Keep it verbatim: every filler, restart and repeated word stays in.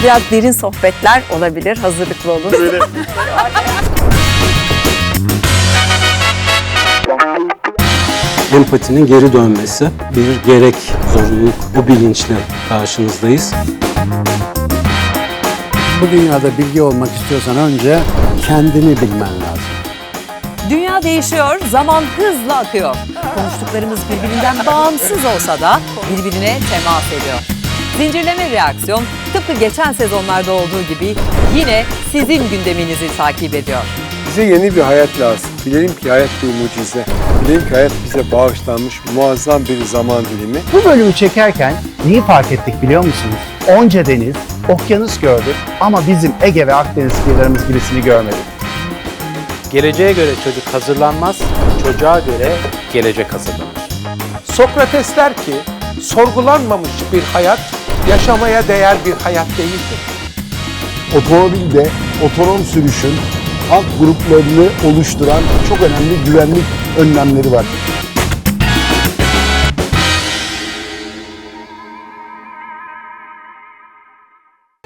biraz derin sohbetler olabilir. Hazırlıklı olun. Böyle. Empatinin geri dönmesi bir gerek, zorunluluk, bu bilinçle karşınızdayız. Bu dünyada bilgi olmak istiyorsan önce kendini bilmen lazım. Dünya değişiyor, zaman hızla akıyor. Konuştuklarımız birbirinden bağımsız olsa da birbirine temas ediyor. Zincirleme reaksiyon tıpkı geçen sezonlarda olduğu gibi yine sizin gündeminizi takip ediyor. Bize yeni bir hayat lazım. Bilelim ki hayat bir mucize. Bilelim ki hayat bize bağışlanmış muazzam bir zaman dilimi. Bu bölümü çekerken neyi fark ettik biliyor musunuz? Onca deniz, okyanus gördük ama bizim Ege ve Akdeniz kıyılarımız gibisini görmedik. Geleceğe göre çocuk hazırlanmaz, çocuğa göre gelecek hazırlanır. Sokrates der ki, sorgulanmamış bir hayat, yaşamaya değer bir hayat değildir. Otomobilde otonom sürüşün alt gruplarını oluşturan çok önemli güvenlik önlemleri var.